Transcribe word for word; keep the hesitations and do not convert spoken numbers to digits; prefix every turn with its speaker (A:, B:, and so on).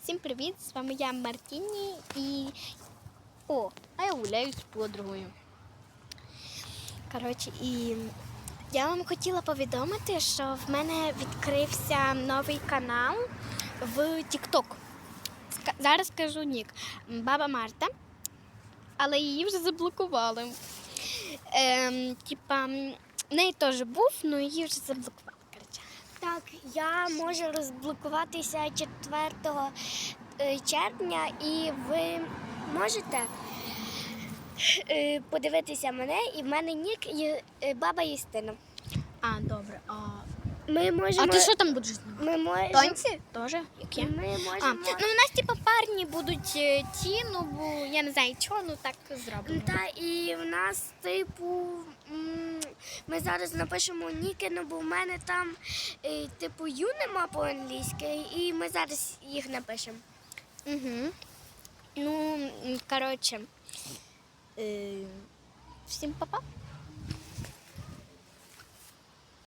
A: Всім привіт! З вами я Мартіні і. О, а я гуляю з подругою. Коротше, і я вам хотіла повідомити, що в мене відкрився новий канал в TikTok. Зараз скажу нік. Баба Марта, але її вже заблокували. Ем, Типа, в неї теж був, але її вже заблокували.
B: Так, я можу розблокуватися четвертого червня, і ви можете е, подивитися мене, і в мене нік є е, баба Юстина.
A: А, добре. А,
B: Ми можемо...
A: а ти що там будеш знімати?
B: Ми можемо...
A: Танці? Теж? Які?
B: Ми можемо...
A: А, ну у нас типу парні будуть е, ті, ну бо я не знаю чого, ну так зробимо.
B: Та і в нас, типу, м, ми зараз напишемо ніки, ну бо в мене там, е, типу, ю нема по-англійськи, і ми зараз їх напишемо.
A: Угу. Ну, м, коротше, е, всім па-па.